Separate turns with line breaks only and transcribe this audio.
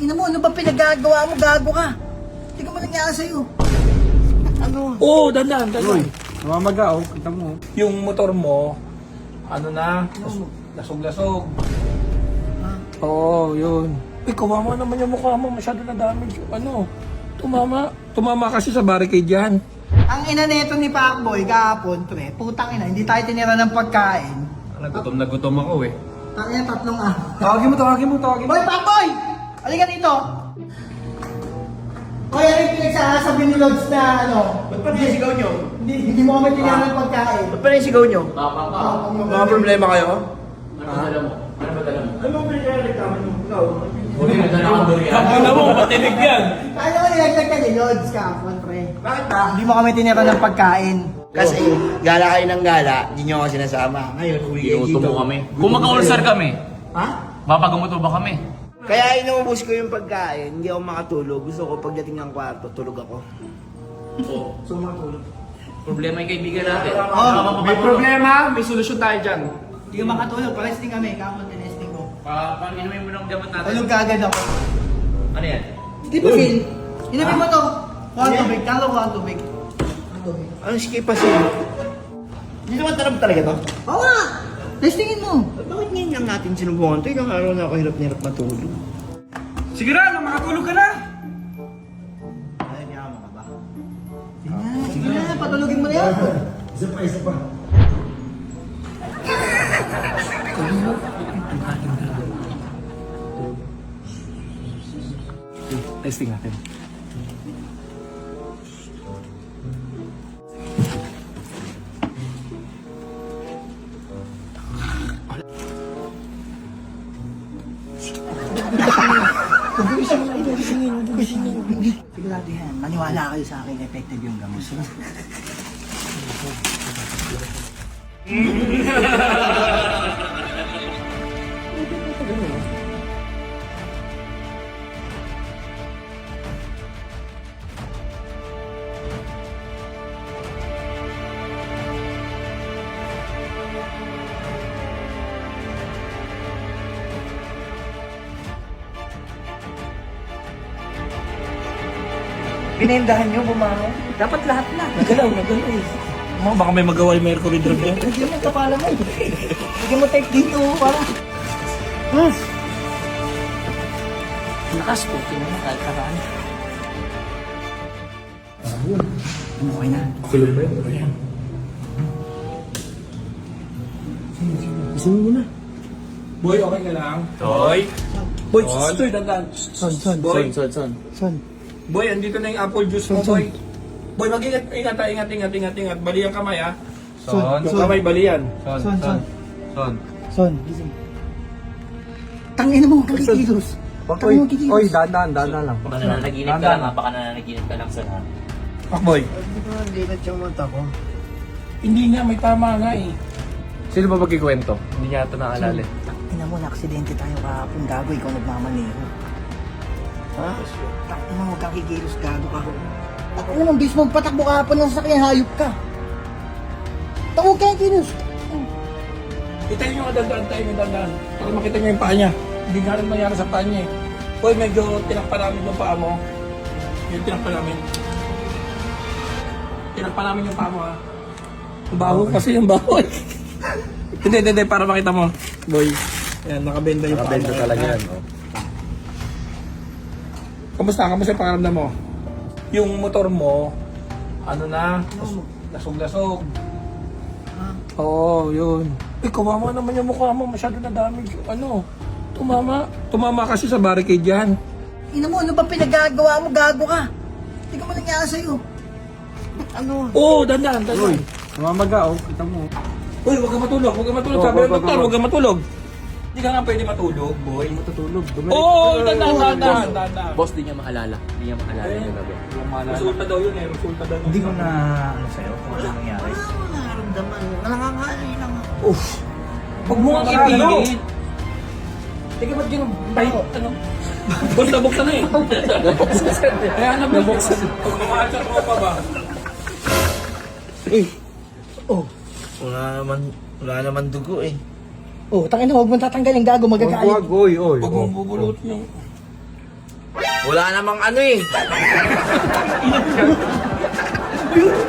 Ina mo, ano ba pinagagawa mo? Gago ka. Hindi ka malangya sa'yo. Ano?
Oo, dandan, dandan.
Namamaga, oh. Kita mo.
Yung motor mo, ano na, lasog-lasog. Oo, yun. Kawawa naman yung mukha mo, masyado na damage. Ano, tumama kasi sa barricade yan.
Ang ina nito ni Pacboy kahapon, pre, putang ina, hindi tayo tinira ng pagkain.
Nagutom na gutom ako eh.
Tangina, tatlong ah.
Tawagin mo.
Boy, Pacboy! Halika dito! Hoy, ano yung pinagsasabi ni Lods na ano?
Ba't pa nasigaw nyo?
Hindi mo kami tinira ng pagkain.
Ba't pa nasigaw nyo?
Mga problema kayo?
Ano ba dala mo? Ano ba pinagreklamo nyo? Ikaw?
Ano mo, matinig yan.
Ano mo nilaglag ka ni Lods kahapon, pre?
Bakit ba?
Hindi mo kami tinira ng pagkain.
Kasi gala kayo ng gala, hindi nyo ako sinasama. Ngayon, uwi kayo dito.
Inuuto mo kami. Kung magka-ulcer kami,
Ha?
mapagamuto ba kami?
Kaya inuubos ko yung pagkain, hindi ako makatulog. Gusto ko pagdating ng kwarto, tulog ako.
Oo.
Gusto ko makatulog.
Problema yung kaibigan natin.
May problema, may solusyon tayo dyan.
Hindi ka makatulog, paresting kami, kahapon tinesting ko.
Pag-inumin mo ng gamot natin.
Tulog ka agad ako.
Ano yan?
Di ba, Phil? Inabi mo to. Kuha ang tubig, talo ko ang tubig.
Anong skip pa siya? Hindi naman tarap talaga to?
Oo nga! Testingin mo.
Bakit ngayon lang natin sinubukan to? Ilang araw na ako hirap matulog.
Sige na, makatulog ka na.
Ay, hindi ako makaba.
Sige na, patulogin mo na yan.
Isa pa.
Testing natin.
Sigurado yan. Maniwala kayo sa akin, effective yung gamot. Pinendahan nyo, bumangon. Dapat lahat na.
Nagalaw. Baka may magawa yung Mercury drug yan.
Lagyan mo kapala mo. Lagyan mo tape dito para. Lakas po, tingnan mo kahit karaan. Okay na.
Kulog ba yun? Ayan.
Isang mo na.
Boy, okay ka lang?
Toy!
Boy, stoy, dandan. Boy,
Son.
boy, andito na yung apple juice mo, boy. Boy, mag-ingat, ingat. Bali ang kamay, ha?
Son.
Yung kamay, bali yan.
Son, gising. Tangina mo, kakikilos. Tangina mo, kikilos.
Oy, dandan lang.
Baka nananaginip ka lang ha, baka nananaginip ka lang sa ha.
Boy.
Hindi ko nalinat yung mata ko.
Hindi nga, may tama nga eh.
Sino ba magkikwento? Hindi niya ito naalala.
Tangina mo, na-aksidente tayo kahapon. Gago, ikaw nagmamaneho.
Ha?
Tangina mo, kakikilos, gago ka. Tangina mo, bis mo patakbo kahapon ng sasakyan, hayop ka. Tawag ka yung kilos.
Kita nyo nga dandan. Para makita nyo yung paa niya. Hindi nga rin mangyari sa paa niya eh. Boy, medyo tinakpa namin yung paa mo. Yung tinakpa namin. Tinakpa namin yung paa mo, ha. Ang baho kasi yung baho eh. Hindi, para makita mo. Boy, yan, nakabenda yung paa mo.
Nakabendo talaga yan, oh.
Kamusta yung pakaramdam mo? Yung motor mo, ano na, lasog-lasog. Oo, yun. Kawawa naman yung mukha mo, masyado na damage. Ano, tumama kasi sa barricade yan.
Ina mo, ano ba pinagagawa mo? Gago ka. Hindi ka malangya sa'yo.
Ano?
Oo, dandan.
Uy, namamaga, oh. Kita mo.
Uy, huwag ka matulog. Sabi ng doktor, huwag ka matulog. Hindi ka nga pwede matulog, boy.
Matutulog.
Oo, dandan.
Boss, di niya maalala. Di niya maalala yung gabi.
Resulta daw yun eh, resulta daw.
Hindi ko na ano sa'yo kung ano nangyari.
Wala akong nararamdaman. Nangangalay lang ako.
Huwag mo nga ipilit. Teka, ba't ganun? Ano? Boss, nabuksan na eh. Kaya nabuksan. Pag kumahal sa tropa ba?
Wala naman dugo eh.
Oh, tangina, huwag mo tatanggalin, gago, magkakalit.
Oy.
Huwag mong bubulutin yung...
Wala namang ano eh.